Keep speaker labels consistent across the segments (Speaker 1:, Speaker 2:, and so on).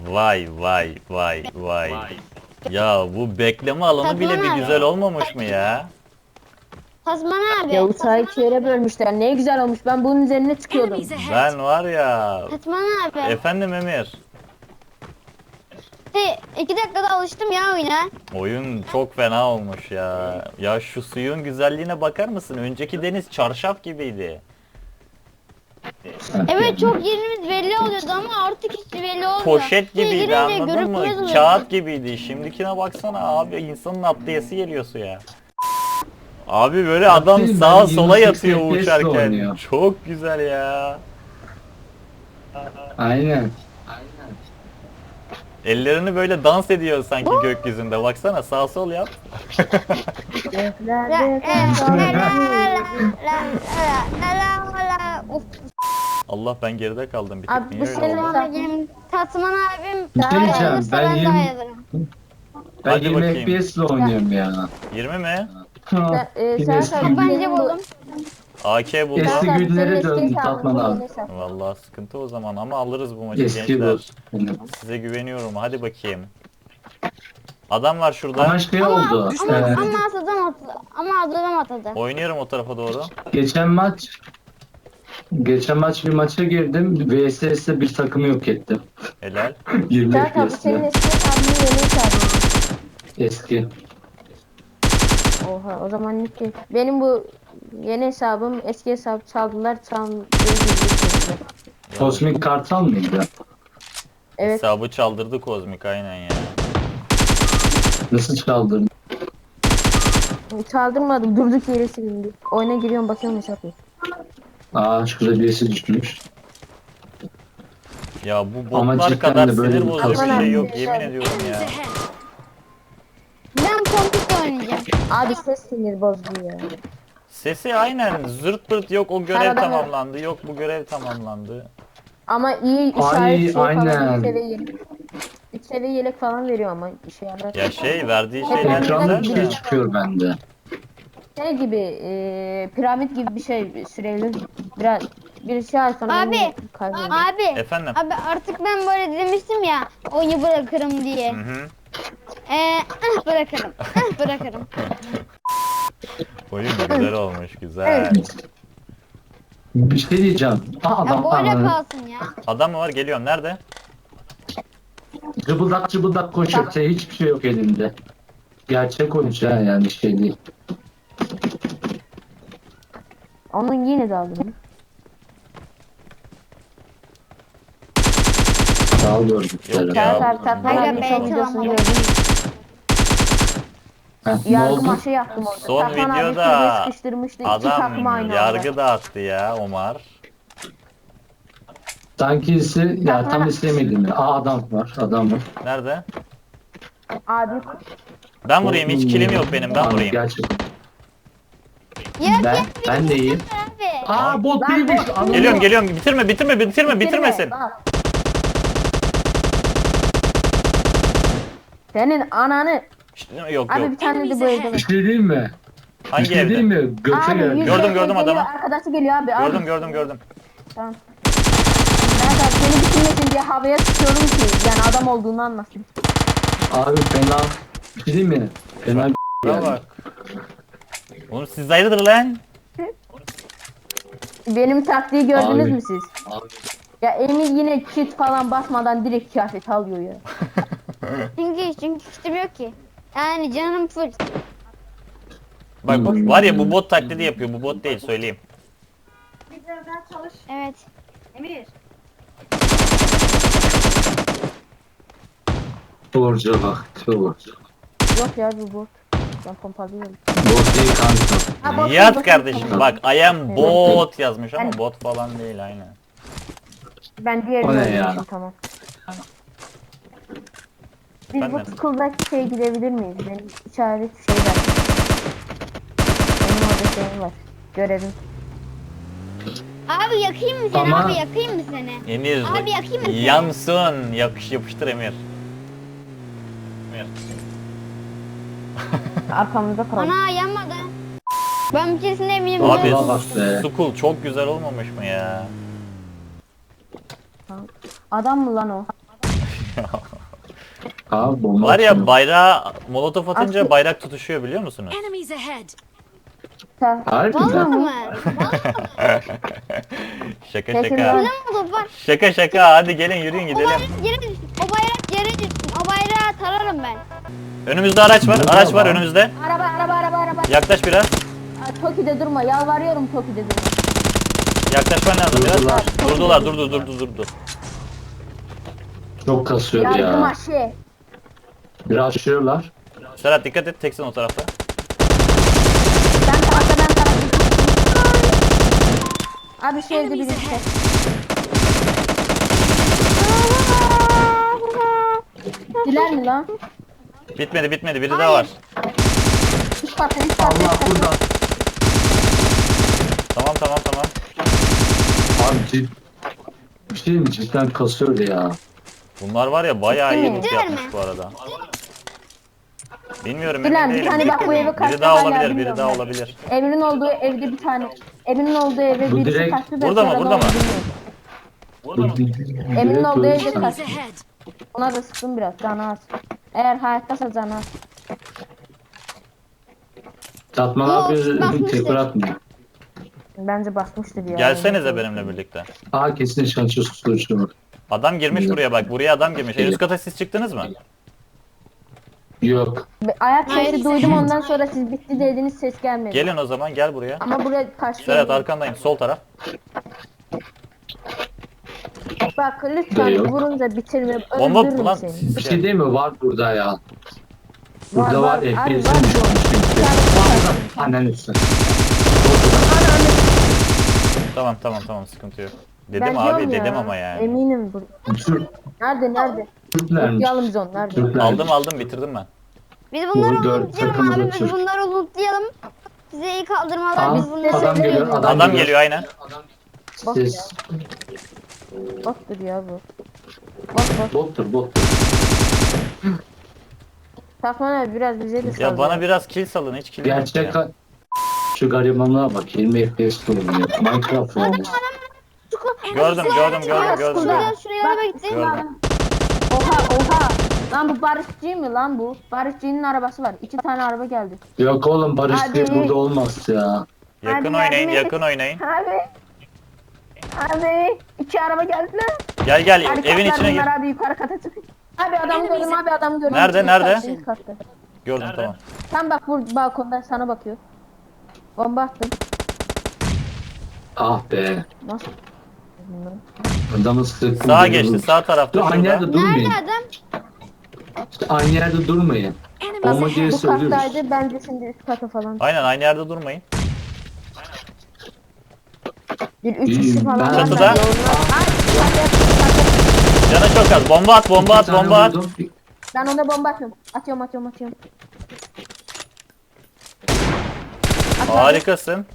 Speaker 1: Vay vay vay vay. Ya bu bekleme alanı bile bir güzel olmamış mı ya?
Speaker 2: Osman abi.
Speaker 3: Ya uçağı ikiye bölmüşler. Ne güzel olmuş. Ben bunun üzerine çıkıyordum.
Speaker 4: Enemies ahead.
Speaker 1: Ben var ya.
Speaker 2: Osman abi.
Speaker 1: Efendim Emir.
Speaker 2: 2 dakikada alıştım ya oyuna.
Speaker 1: Oyun çok fena olmuş ya. Ya şu suyun güzelliğine bakar mısın? Önceki deniz çarşaf gibiydi.
Speaker 2: Evet çok yerimiz belli oluyordu ama artık hiç belli olmuyor.
Speaker 1: Poşet
Speaker 2: Suya
Speaker 1: gibiydi,
Speaker 2: girince
Speaker 1: anladın
Speaker 2: görünmez
Speaker 1: mı?
Speaker 2: oluyor.
Speaker 1: Kağıt gibiydi. Şimdikine baksana abi, insanın atlayası geliyor suya. Abi böyle adam
Speaker 5: Değil,
Speaker 1: sağa
Speaker 5: ben
Speaker 1: sola
Speaker 5: 28
Speaker 1: yatıyor
Speaker 5: FPS 'le
Speaker 1: uçarken.
Speaker 5: oynuyor.
Speaker 1: Çok güzel ya.
Speaker 5: Aynen.
Speaker 1: Ellerini böyle dans ediyor sanki gökyüzünde. Baksana sağ sol yap.
Speaker 2: Of.
Speaker 1: Allah, ben geride kaldım bir tek.
Speaker 3: Abi,
Speaker 1: Niye
Speaker 3: bu
Speaker 1: öyle
Speaker 3: senin
Speaker 1: oldu?
Speaker 3: hesabın.
Speaker 2: Tatman abim
Speaker 5: Bir şey diyeceğim, ben 20 Ben
Speaker 1: Hadi
Speaker 5: 20
Speaker 1: bakayım.
Speaker 5: FPS ile oynuyorum ya.
Speaker 1: 20 mi?
Speaker 5: Yine
Speaker 3: Sen
Speaker 5: eski,
Speaker 2: Bence buldum.
Speaker 1: AK buldum.
Speaker 5: Eski
Speaker 3: Sen
Speaker 5: günlere
Speaker 3: senin eski
Speaker 5: döndü
Speaker 3: hesabın,
Speaker 5: Tatman
Speaker 3: bu
Speaker 5: abi.
Speaker 3: yeni hesap.
Speaker 1: Vallahi sıkıntı o zaman ama alırız bu maçı
Speaker 5: Eski bu.
Speaker 1: gençler. Size güveniyorum. Hadi bakayım. Adam var şurada.
Speaker 5: Ama şey oldu.
Speaker 2: Ama adam atadı.
Speaker 1: Oynuyorum o tarafa doğru.
Speaker 5: Geçen maç bir maça girdim. VSS'de bir takımı yok ettim.
Speaker 1: Helal.
Speaker 5: 20
Speaker 3: Zaten bu senin
Speaker 5: FPS'le.
Speaker 3: eski hesabın, yeni hesabın.
Speaker 5: Eski.
Speaker 3: Oha, o zaman ne ki? Benim bu yeni hesabım, eski hesap çaldılar.
Speaker 5: Kosmik Kartal mıydı?
Speaker 3: Evet.
Speaker 1: Hesabı çaldırdı Kozmik aynen ya.
Speaker 5: Nasıl çaldın?
Speaker 3: Çaldırmadım. Durduk yere silindi. Oyuna giriyorum, bakıyorum hesap yok.
Speaker 5: Aa şurada birisi düşmüş.
Speaker 1: Ya bu
Speaker 5: Ama
Speaker 1: botlar
Speaker 5: cidden
Speaker 1: kadar
Speaker 5: de böyle
Speaker 1: sinir
Speaker 5: bir
Speaker 1: bozucu bir
Speaker 3: kazan-
Speaker 1: şey yok yemin ediyorum
Speaker 4: Enemies
Speaker 1: ya.
Speaker 4: ahead.
Speaker 2: Ben komputer oynayacağım.
Speaker 3: Abi ses sinir bozdu ya.
Speaker 1: Sesi aynen zırt pırt, yok o görev
Speaker 3: Arada-
Speaker 1: tamamlandı, yok bu görev tamamlandı.
Speaker 3: Ama iyi işaret
Speaker 5: Ay,
Speaker 3: şey falan.
Speaker 5: aynen.
Speaker 3: 3 seviye yelek falan veriyor ama işe yarar.
Speaker 1: Ya şey verdiği şeyler
Speaker 5: Ekranı
Speaker 1: güzel
Speaker 5: biri
Speaker 1: de.
Speaker 5: çıkıyor bende.
Speaker 3: Şey gibi, piramit gibi bir şey, süreli bir şey ay sonra
Speaker 2: Abi,
Speaker 3: kaybediyor.
Speaker 2: Abi.
Speaker 1: Efendim?
Speaker 2: Abi artık ben böyle demiştim ya oyunu bırakırım diye.
Speaker 1: Hı hı.
Speaker 2: Bırakırım. Bırakırım.
Speaker 1: Oyun güzel olmuş, güzel.
Speaker 5: Bir şey diyeceğim. Aa,
Speaker 2: Ya
Speaker 5: adam
Speaker 2: böyle
Speaker 5: ananı.
Speaker 2: kalsın ya.
Speaker 1: Adam mı var, geliyorum, nerede?
Speaker 5: Cıbıldak cıbıldak koşuyor. Hiçbir şey yok elinde. Gerçek oyuncu ha, yani şey değil.
Speaker 3: Onun yine de aldım.
Speaker 5: Sağ ol gördükleri.
Speaker 1: Yok
Speaker 3: Serhat
Speaker 1: ya.
Speaker 3: abi, Tatman
Speaker 2: Aga
Speaker 3: abi
Speaker 2: be,
Speaker 3: son videosunu
Speaker 2: tamam.
Speaker 3: gördüm.
Speaker 5: Ne
Speaker 3: Yargı
Speaker 5: oldu?
Speaker 3: maçı yaptım orada.
Speaker 1: Son
Speaker 3: Tatman abi
Speaker 1: videoda
Speaker 3: kulübe sıkıştırmıştı. İki takım aynı
Speaker 1: Adam
Speaker 3: anda.
Speaker 1: yargı dağıttı ya Omar.
Speaker 5: Sankisi ya tam istemedim. Aa adam var. Adam var.
Speaker 1: Nerede?
Speaker 3: Abi
Speaker 1: Ben vurayım, hiç kilim yok benim, ben
Speaker 5: Abi,
Speaker 1: vurayım.
Speaker 5: Gerçekten.
Speaker 2: Ya
Speaker 5: Ben de iyiyim.
Speaker 2: abi.
Speaker 5: Aa bot
Speaker 3: Ben
Speaker 5: değilmiş.
Speaker 3: bot-
Speaker 5: Anladım.
Speaker 1: Geliyorum, bitirmesin.
Speaker 3: bak. Senin ananı.
Speaker 1: Şşt, yok
Speaker 3: Abi
Speaker 1: yok.
Speaker 3: bir tane de bu evde
Speaker 5: Bir
Speaker 3: var.
Speaker 5: şey diyeyim mi? Bir
Speaker 1: Hangi
Speaker 5: şey diyeyim
Speaker 1: evde?
Speaker 5: mi? Göte
Speaker 3: Abi,
Speaker 5: geldi.
Speaker 1: Gördüm, gördüm
Speaker 3: geliyor,
Speaker 1: adamı.
Speaker 3: Arkadaşı geliyor abi. Abi.
Speaker 1: Gördüm.
Speaker 3: Tamam. Ben de seni bitirmesin diye havaya sıkıyorum ki yani adam olduğunu anlasın.
Speaker 5: Abi fena. Bir şey diyeyim mi? Fena
Speaker 1: Buna bak. Oğlum siz hayırdır lan?
Speaker 3: Benim taktiği gördünüz
Speaker 5: Abi.
Speaker 3: mü siz?
Speaker 5: Abi.
Speaker 3: Ya Emir yine kit falan basmadan direkt kıyafet alıyor ya.
Speaker 2: Çünkü kitim yok ki. Yani canım full.
Speaker 1: Bak var ya, bu bot taklidi yapıyor, bu bot değil söyleyeyim.
Speaker 2: Evet.
Speaker 5: Doğruca bak. Doğruca.
Speaker 3: Yok ya bu bot. Ben pompalıyorum.
Speaker 5: Bot değil kanka.
Speaker 3: Ha, bot,
Speaker 1: Yat
Speaker 3: bot,
Speaker 1: kardeşim,
Speaker 3: bot.
Speaker 1: bak I am bot yazmış ama
Speaker 3: Ben-
Speaker 1: bot falan değil aynen.
Speaker 3: Ben diğerini
Speaker 5: O ne
Speaker 3: oynamışım,
Speaker 5: ya?
Speaker 3: tamam. Biz
Speaker 1: Ben
Speaker 3: bu
Speaker 1: de.
Speaker 3: school'daki şeye gidebilir miyiz? Benim işaret şey var. Benim orada şeyim var. Görevim.
Speaker 2: Abi yakayım mı seni?
Speaker 5: Ama-
Speaker 2: Abi yakayım mı seni?
Speaker 1: Emir
Speaker 2: Abi yakayım mı seni?
Speaker 1: yansın, yapıştır Emir. Emir.
Speaker 3: Arkamızda kaldı.
Speaker 2: Ana yanmadı. Ben bir keresinde eminim.
Speaker 1: Abi
Speaker 5: Vallahi bak be.
Speaker 1: Sukul çok güzel olmamış mı ya?
Speaker 3: Adam mı lan o?
Speaker 5: Abi bomba
Speaker 1: Var ya
Speaker 5: atıyor.
Speaker 1: bayrağı molotof atınca
Speaker 3: Aslında-
Speaker 1: bayrak tutuşuyor biliyor musunuz?
Speaker 4: Enemies ahead.
Speaker 5: Harbi
Speaker 2: Vallahi
Speaker 5: mi?
Speaker 2: mı?
Speaker 1: Şaka
Speaker 3: Kesin
Speaker 1: şaka.
Speaker 3: lan.
Speaker 2: Ne oldu bak.
Speaker 1: Şaka şaka hadi gelin yürüyün
Speaker 2: O
Speaker 1: gidelim.
Speaker 2: bayrak yere düşsün. O bayrak yere düşsün. O bayrağı tararım ben.
Speaker 1: Önümüzde araç var. Araç var önümüzde.
Speaker 3: Araba.
Speaker 1: Yaklaş biraz.
Speaker 3: Aa, Toki'de durma. Yalvarıyorum Toki'de durma.
Speaker 1: Yaklaşman lazım biraz.
Speaker 5: Durdular.
Speaker 1: Durdu.
Speaker 5: Çok kasıyor
Speaker 3: Yardım
Speaker 5: ya.
Speaker 3: aşı.
Speaker 5: Biraz aşıyorlar.
Speaker 1: Serhat dikkat et teksin o tarafta.
Speaker 3: Ben tarafta. Abi şu evde
Speaker 4: Enemies
Speaker 3: birisi.
Speaker 4: ahead.
Speaker 3: Diler mi lan?
Speaker 1: Bitmedi biri daha var.
Speaker 3: Üst katta.
Speaker 5: Allah burada.
Speaker 1: Tamam.
Speaker 5: Abi bir şey mi cidden kasıyor ya.
Speaker 1: Bunlar var ya bayağı iyi
Speaker 3: Değil mi?
Speaker 1: loot
Speaker 2: Değil
Speaker 1: yapmış
Speaker 2: mi?
Speaker 1: bu arada. Bilmiyorum
Speaker 3: Dilan,
Speaker 1: emin
Speaker 3: bir
Speaker 1: değilim.
Speaker 3: tane bak bu eve kaçtı
Speaker 1: Biri daha
Speaker 3: hala
Speaker 1: olabilir,
Speaker 3: bilmiyorum
Speaker 1: biri daha
Speaker 3: ben.
Speaker 1: olabilir.
Speaker 3: Emin'in olduğu evde bir tane. Emin'in olduğu eve
Speaker 5: Bu
Speaker 3: birisi
Speaker 5: direkt-
Speaker 3: kaçtı da
Speaker 1: Burada mı,
Speaker 3: sonra
Speaker 1: burada
Speaker 3: ne oldu
Speaker 1: mı?
Speaker 3: bilmiyorum.
Speaker 5: Emin
Speaker 3: olduğu evde kaç.
Speaker 4: Enemies ahead.
Speaker 3: Ona da sıktım biraz canı az. Eğer hayattaysa canı az.
Speaker 5: Tatmalar bir
Speaker 2: Bakmıştır.
Speaker 5: tekrar atmıyor.
Speaker 3: Bence basmıştır ya.
Speaker 1: Gelsenize benimle birlikte.
Speaker 5: Aa kesin şansı susturucu var.
Speaker 1: Adam girmiş buraya bak. Buraya adam girmiş. En üst kata siz çıktınız mı?
Speaker 5: Yok.
Speaker 3: Ayak
Speaker 2: Hayır,
Speaker 3: sesi duydum ondan sonra siz bitti dediğiniz ses gelmedi.
Speaker 1: Gelin o zaman gel buraya.
Speaker 3: Ama buraya karşı.
Speaker 1: Serhat arkandayım sol taraf.
Speaker 3: Bak lütfen
Speaker 5: Yok.
Speaker 3: vurunca bitirme.
Speaker 1: Bomba
Speaker 3: Öldürürüm
Speaker 1: lan.
Speaker 3: seni.
Speaker 5: Bir şey değil mi? Var burada ya. Burada var.
Speaker 3: Abi,
Speaker 5: FPS'in
Speaker 3: var.
Speaker 5: düşmüş çünkü. Var. Annen üstü.
Speaker 1: Tamam sıkıntı yok. Dedim
Speaker 3: Ben
Speaker 1: abi
Speaker 3: diyorum ya,
Speaker 1: dedim ama yani.
Speaker 3: Eminim bu. Nerede?
Speaker 5: Türklermiş.
Speaker 3: Yalım biz onu nerede?
Speaker 5: Türklermiş.
Speaker 1: Aldım bitirdim ben.
Speaker 2: Biz bunları
Speaker 5: Bu dört
Speaker 2: lootlayalım
Speaker 5: takımı
Speaker 2: abi.
Speaker 5: da
Speaker 2: Biz
Speaker 5: Türk.
Speaker 2: bunları lootlayalım. Size iyi kaldırmalar.
Speaker 5: Aa,
Speaker 2: Biz bunları
Speaker 5: adam geliyor.
Speaker 1: Adam geliyor aynen.
Speaker 5: Siz
Speaker 3: Bottur ya bu. Bot.
Speaker 5: bottur.
Speaker 3: Takman abi biraz bize de sal.
Speaker 1: Ya bana biraz kill salın hiç kill yok
Speaker 5: gerçek
Speaker 1: ya.
Speaker 5: şu garibanlığa bak 20 FPS oynuyor. Minecraft oynuyor.
Speaker 1: Gördüm.
Speaker 2: Şuraya araba gitti.
Speaker 1: Gördüm.
Speaker 3: Oha. Lan bu Barışçı mı lan bu? Barışçı'nın arabası var. 2 tane araba geldi.
Speaker 5: Yok oğlum Barış
Speaker 3: Hadi.
Speaker 5: Bey burada olmaz ya.
Speaker 1: Yakın
Speaker 3: Hadi
Speaker 1: oynayın
Speaker 3: yardım et.
Speaker 1: yakın oynayın.
Speaker 3: Abi 2 araba geldiler.
Speaker 1: Gel
Speaker 3: Hadi
Speaker 1: evin
Speaker 3: katlar
Speaker 1: içine gir.
Speaker 3: bunlar abi yukarı kata çık. Abi adamı gördüm.
Speaker 1: Nerede,
Speaker 3: Üst
Speaker 1: nerede?
Speaker 3: katta, üst katta.
Speaker 1: Gördüm tamam.
Speaker 3: Tam bak bu balkondan sana bakıyor. Bomba attım.
Speaker 5: Ah be.
Speaker 3: Nasıl?
Speaker 5: Adamı sıktım.
Speaker 1: Sağa geçti sağ
Speaker 5: Dur
Speaker 1: tarafta
Speaker 5: aynı
Speaker 1: şurada.
Speaker 5: yerde durmayın.
Speaker 2: Nerede adam?
Speaker 5: İşte aynı yerde durmayın.
Speaker 4: Enemies
Speaker 5: Bomba
Speaker 4: ahead.
Speaker 5: gelirse
Speaker 3: Bu
Speaker 5: ölürüz.
Speaker 3: kattaydı bence şimdi üst kata falan.
Speaker 1: Aynen aynı yerde durmayın.
Speaker 3: Bir 3
Speaker 5: İyi,
Speaker 3: kişi falan.
Speaker 5: ben-
Speaker 3: var.
Speaker 1: Çatıda.
Speaker 3: Ay, çatı.
Speaker 1: Canı çok az. Bomba at.
Speaker 5: İki tane vurdum.
Speaker 3: Ben ona bomba atıyorum. Atıyorum.
Speaker 1: Harikasın.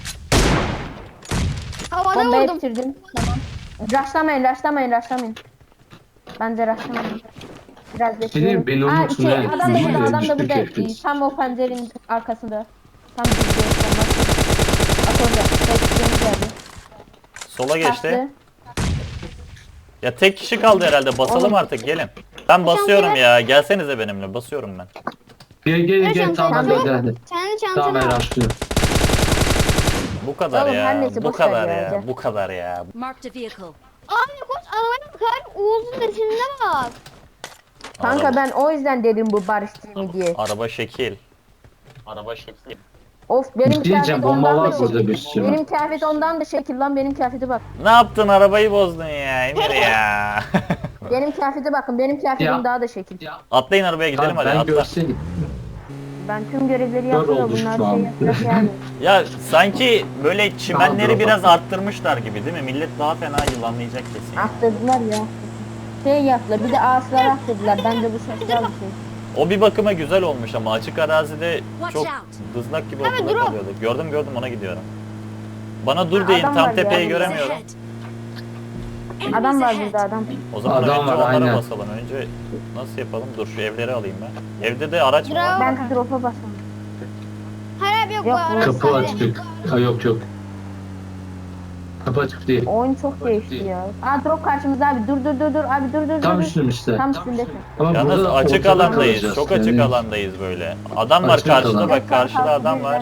Speaker 2: Havada
Speaker 3: Bombayı
Speaker 2: vurdum.
Speaker 3: bitirdim. Tamam. Rushlamayın. Bence rushlamayın. Biraz bekleyelim.
Speaker 5: beni
Speaker 3: Aa,
Speaker 5: unutun
Speaker 3: iki,
Speaker 5: ha.
Speaker 3: adam da
Speaker 5: İyi
Speaker 3: burada, adam da
Speaker 5: düştük
Speaker 3: burada.
Speaker 5: hepimiz.
Speaker 3: Tam o pencerenin arkasında. Tam bizde. Bak orada. Bekliyoruz geldi.
Speaker 1: Sola geçti.
Speaker 3: Kaçtı.
Speaker 1: Ya tek kişi kaldı herhalde. Basalım
Speaker 3: Oğlum.
Speaker 1: artık gelin. Ben basıyorum ya. Gelsenize benimle. Basıyorum ben.
Speaker 5: Gel tamam
Speaker 2: Tamam.
Speaker 5: hadi.
Speaker 2: Kendi
Speaker 5: Tamam
Speaker 2: çantana
Speaker 5: ben
Speaker 2: al.
Speaker 5: açtım.
Speaker 1: Bu kadar
Speaker 3: Oğlum, her
Speaker 1: ya.
Speaker 3: neyse,
Speaker 1: Bu
Speaker 3: boş ver
Speaker 1: kadar
Speaker 3: ya,
Speaker 1: ya.
Speaker 3: gel.
Speaker 1: Bu kadar ya.
Speaker 4: Marked a vehicle.
Speaker 2: Abi koş arabaya bakar. Oğuz'un resimine bak.
Speaker 3: Kanka
Speaker 1: Araba-
Speaker 3: ben o yüzden dedim bu barışçı mı diye.
Speaker 1: Araba şekil. Araba şekil.
Speaker 3: Of benim
Speaker 5: Diyeceğim,
Speaker 3: kıyafet
Speaker 5: bomba
Speaker 3: ondan
Speaker 5: var
Speaker 3: da
Speaker 5: burada
Speaker 3: şekil.
Speaker 5: bir sürü.
Speaker 3: Benim kıyafet ondan da şekil lan benim kıyafete bak.
Speaker 1: Ne yaptın? Arabayı bozdun ya Emir ya.
Speaker 3: Benim kıyafete bakın benim kıyafetim
Speaker 5: Ya.
Speaker 3: daha da şekil.
Speaker 1: Atlayın arabaya gidelim
Speaker 5: Tamam,
Speaker 1: hadi
Speaker 5: ben
Speaker 1: atla.
Speaker 5: görseydim.
Speaker 3: Ben tüm görevleri
Speaker 5: Kör
Speaker 3: yaptım da
Speaker 5: oldu
Speaker 3: bunlar
Speaker 5: şu an.
Speaker 3: şey yapacak yani.
Speaker 1: Ya sanki böyle çimenleri
Speaker 5: Daha
Speaker 1: biraz
Speaker 5: drop
Speaker 1: arttırmışlar gibi değil mi? Millet daha fena yılanlayacak kesin.
Speaker 3: Aktırdılar ya. Şey yaptılar bir de ağaçlar aktırdılar. Bence bu sesler bir şey.
Speaker 1: O bir bakıma güzel olmuş ama açık arazide
Speaker 4: Watch
Speaker 1: çok
Speaker 4: out.
Speaker 1: dızlak gibi
Speaker 2: Abi,
Speaker 1: ortada
Speaker 2: drop.
Speaker 1: kalıyordu. Gördüm ona gidiyorum. Bana dur
Speaker 3: Ha,
Speaker 1: deyin
Speaker 3: adam
Speaker 1: tam
Speaker 3: var ya.
Speaker 1: tepeyi
Speaker 4: Enemies
Speaker 1: göremiyorum.
Speaker 4: ahead.
Speaker 3: Adam
Speaker 4: Enemies
Speaker 3: var
Speaker 4: ahead.
Speaker 3: burada adam.
Speaker 1: O zaman
Speaker 5: Adam
Speaker 1: önce
Speaker 5: var,
Speaker 1: onlara
Speaker 5: aynen.
Speaker 1: basalım. Önce nasıl yapalım? Dur şu evleri alayım ben. Evde de araç mı var?
Speaker 2: Bravo.
Speaker 3: Ben drop'a basalım.
Speaker 2: Hayır abi yok bu
Speaker 3: Yok,
Speaker 2: araba
Speaker 5: Kapı
Speaker 2: sadece.
Speaker 5: açık. Ha, yok. Kapı açık değil.
Speaker 3: Oyun çok değişti ya. Aa drop karşımızda abi. Dur abi dur.
Speaker 5: Tam
Speaker 3: dur.
Speaker 5: üstünde.
Speaker 3: Tam üstündesin.
Speaker 5: Ama
Speaker 1: Yalnız
Speaker 5: burada
Speaker 1: açık
Speaker 5: ortada
Speaker 1: alandayız.
Speaker 5: kalacağız.
Speaker 1: Çok açık
Speaker 5: Yani
Speaker 1: alandayız böyle. Adam var
Speaker 5: Açık
Speaker 1: karşıda
Speaker 5: alan.
Speaker 1: bak karşıda adam var.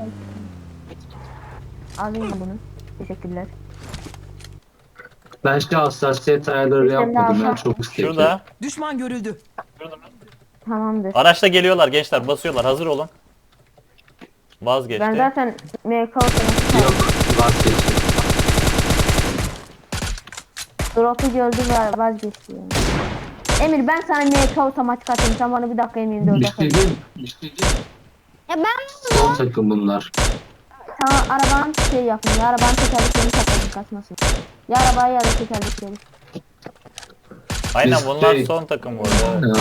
Speaker 3: Alayım bunu. Teşekkürler.
Speaker 5: Ben şu hassasiyet ayarları
Speaker 3: Sen de
Speaker 5: yapmadım ya
Speaker 3: al.
Speaker 5: çok istekli.
Speaker 1: Şurada.
Speaker 6: Düşman görüldü.
Speaker 3: Tamamdır.
Speaker 1: Araçta geliyorlar gençler basıyorlar hazır olun. Vazgeçti.
Speaker 3: Ben zaten MK otomatik
Speaker 5: Yok vazgeçtim.
Speaker 3: drop'u gördü ve vazgeçti yani. Emir ben sana MK otomatik atayım. Sen bana bir dakika emeğinde
Speaker 5: Bir
Speaker 3: orada
Speaker 5: şey
Speaker 3: kal.
Speaker 5: diyeyim. Bir şey diyeyim.
Speaker 2: Ya ben
Speaker 5: Son takım bunlar.
Speaker 3: Sana arabanın şey yapın. Ya arabanın tekerleklerini takasın kaçmasın. Ya arabaya ya da tekerlekleri.
Speaker 1: Aynen
Speaker 5: Biz
Speaker 1: bunlar
Speaker 5: şey-
Speaker 1: son takım bu arada.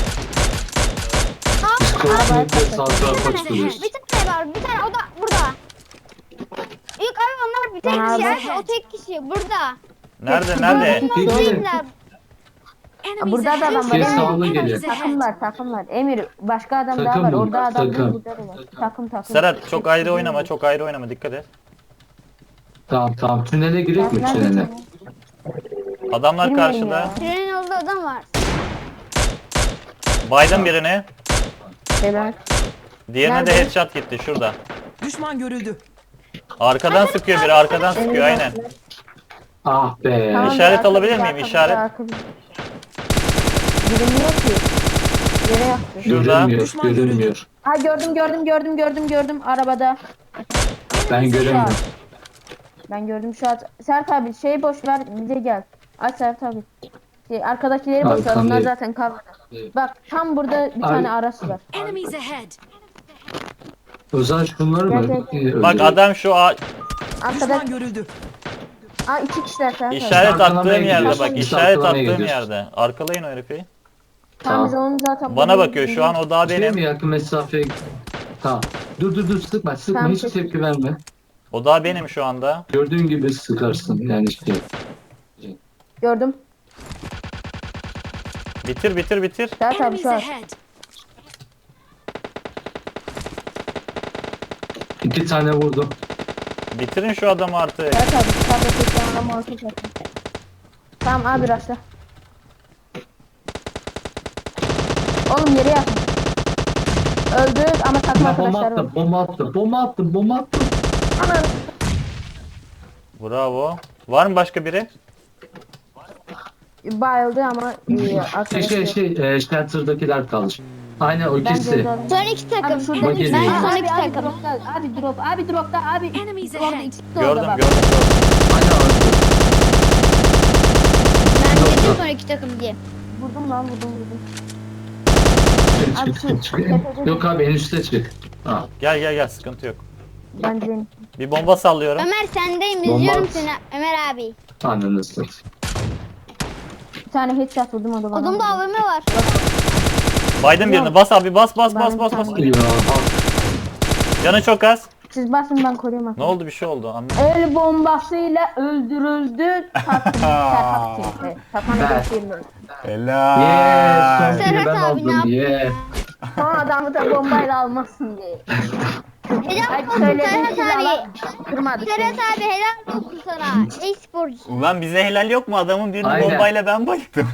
Speaker 5: Biz kesinlikle sağ tarafa çıkıyoruz.
Speaker 2: bir tane var. Bir tane o da burada. Yok abi onlar bir tek
Speaker 3: Ben
Speaker 2: kişi.
Speaker 3: abi-
Speaker 2: Evet, o tek kişi burada.
Speaker 1: Nerede nerede?
Speaker 5: Peki.
Speaker 2: Değiller.
Speaker 4: Enemies
Speaker 3: Burada da
Speaker 4: ahead.
Speaker 3: adam var.
Speaker 5: Şey
Speaker 3: Emir.
Speaker 5: sağlı geliyor.
Speaker 4: Enemies ahead.
Speaker 3: Takımlar. Emir başka adam daha
Speaker 5: Takım
Speaker 3: var.
Speaker 5: bu,
Speaker 3: Orada adam
Speaker 5: takım.
Speaker 3: değil, burada da var. Takım.
Speaker 1: Serhat çok ayrı oynama çok ayrı oynama dikkat et.
Speaker 5: Tamam. Tünele girek mi
Speaker 3: Nerede?
Speaker 5: tünele?
Speaker 1: Adamlar
Speaker 3: Bilmiyorum
Speaker 1: karşıda.
Speaker 3: ya.
Speaker 2: Trenin olduğu adam var.
Speaker 1: Biden birini.
Speaker 3: Helal.
Speaker 1: Diğerine de
Speaker 3: Nerede?
Speaker 1: headshot gitti şurada.
Speaker 6: Düşman görüldü.
Speaker 1: Arkadan sıkıyor biri arkadan sıkıyor aynen.
Speaker 5: Ah be.
Speaker 3: Tamam,
Speaker 1: İşaret
Speaker 3: arka-
Speaker 1: alabilir miyim?
Speaker 3: arka-
Speaker 1: İşaret.
Speaker 3: arka- Bilinmiyor ki. Yere yaktı.
Speaker 1: Şurada.
Speaker 5: Görünmüyor.
Speaker 6: Düşman
Speaker 5: Görünmüyor.
Speaker 3: Ha gördüm arabada.
Speaker 5: Ben göremiyorum.
Speaker 3: Ben gördüm şu an. Sert abi şey boş ver bize gel. Aç Sert abi. Şey, arkadakileri boş ver onlar
Speaker 5: Arkamdayım.
Speaker 3: zaten kalmadı. Bak tam burada bir
Speaker 5: Abi-
Speaker 3: tane araç var.
Speaker 4: Enemies ahead.
Speaker 5: O zaman şunları mı?
Speaker 3: Gel,
Speaker 1: Bak adam şu
Speaker 3: Arkadaş.
Speaker 6: Düşman görüldü.
Speaker 3: Aa iki kişiler Sert abi.
Speaker 1: işaret
Speaker 5: Arkalamaya
Speaker 1: attığım yerde
Speaker 5: gidiyoruz.
Speaker 1: bak
Speaker 5: Biz
Speaker 1: işaret
Speaker 5: arkalamaya
Speaker 1: attığım
Speaker 5: gidiyoruz.
Speaker 1: yerde. Arkalayın o herifi.
Speaker 3: Tamam biz onu zaten.
Speaker 1: Bana bakıyor şu an o daha
Speaker 5: Şey mi
Speaker 1: benim.
Speaker 5: yakın mesafeye? Tamam. Dur sıkma
Speaker 3: Tamam,
Speaker 5: hiç
Speaker 3: peki.
Speaker 5: tepki verme.
Speaker 1: O daha benim şu anda.
Speaker 5: Gördüğün gibi sıkarsın yani işte.
Speaker 3: Gördüm.
Speaker 1: Bitir.
Speaker 3: Sert abi
Speaker 4: Enemies
Speaker 3: şu an.
Speaker 4: ahead.
Speaker 5: 2 tane vurdum.
Speaker 1: Bitirin şu adamı artık.
Speaker 3: Sert abi. Sert abi. Sert abi. Muhakkak yapın. Tamam abi raşla. Oğlum yere yatın. Öldü ama takım
Speaker 5: Bomba
Speaker 3: arkadaşlar var.
Speaker 5: attım, bomba attım.
Speaker 3: Aman.
Speaker 1: Bravo. Var mı başka biri?
Speaker 3: Bayıldı ama arkadaşlar.
Speaker 5: Shelter'dakiler kalmış. Aynen o
Speaker 3: Ben
Speaker 5: ikisi.
Speaker 3: gördüm.
Speaker 2: Son iki takım.
Speaker 3: Abi şurada
Speaker 5: Bak
Speaker 3: bir
Speaker 5: geliyor.
Speaker 2: Ben son iki
Speaker 3: abi
Speaker 2: takım.
Speaker 3: dropta, abi dropta abi.
Speaker 4: Enemies
Speaker 3: Orada
Speaker 4: ahead.
Speaker 3: ikisi de orada
Speaker 1: Gördüm
Speaker 3: bak.
Speaker 1: gördüm.
Speaker 5: Aynen orası.
Speaker 2: Ben
Speaker 5: Yok,
Speaker 2: dedim
Speaker 5: yok.
Speaker 2: son iki takım diye.
Speaker 3: Vurdum lan vurdum.
Speaker 5: Çık,
Speaker 3: Abi
Speaker 5: çık,
Speaker 3: şu-
Speaker 5: çık. Yok abi en üstte çık. Ha.
Speaker 1: Gel sıkıntı yok.
Speaker 3: Ben de
Speaker 1: Bir bomba sallıyorum.
Speaker 2: Ömer sendeyim
Speaker 5: Bomba
Speaker 2: izliyorum
Speaker 5: at.
Speaker 2: seni Ömer abi.
Speaker 5: Ananı satayım.
Speaker 3: bir tane headshot vurdum o da bana.
Speaker 2: Odamda AVM var.
Speaker 1: Biden birini bas abi bas.
Speaker 3: Ben
Speaker 1: Bas.
Speaker 3: bir
Speaker 5: Ya,
Speaker 1: Canı çok az.
Speaker 3: Siz basın ben koruyayım.
Speaker 1: Ne oldu bir şey oldu anlamadım.
Speaker 3: El bombasıyla öldürüldü. Takım. Takımı geçirmiyor.
Speaker 5: yeah, son kili
Speaker 2: Serhat
Speaker 5: ben
Speaker 2: abi, ne
Speaker 5: aldım.
Speaker 2: yaptın
Speaker 5: Yeah.
Speaker 3: Son adamı da bombayla almasın diye.
Speaker 2: Helal
Speaker 3: Hadi
Speaker 2: olsun
Speaker 3: söyledim
Speaker 2: Serhat
Speaker 3: size
Speaker 2: abi.
Speaker 3: Allah kırmadık.
Speaker 2: Serhat abi helal olsun sana. Ey sporcusun.
Speaker 1: Ulan bize helal yok mu? Adamın birini
Speaker 5: Aynen.
Speaker 1: bombayla ben bayıldım.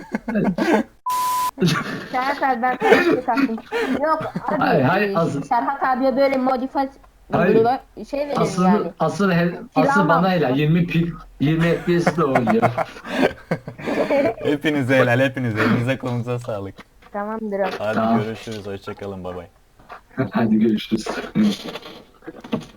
Speaker 3: Serhat abi ben sana bir şey taktım. Yok abi.
Speaker 5: Hayır, az-
Speaker 3: Serhat abiye böyle modifiye
Speaker 5: Hayır.
Speaker 3: şey verelim yani.
Speaker 5: Asıl bana helal 20 FPS'de oynuyor.
Speaker 1: Hepinize helal hepinize. Elinize kolunuza sağlık.
Speaker 3: Tamamdır abi.
Speaker 1: Hadi
Speaker 5: Tamam.
Speaker 1: görüşürüz. Hoşçakalın. Bay bay.
Speaker 5: Hadi görüşürüz.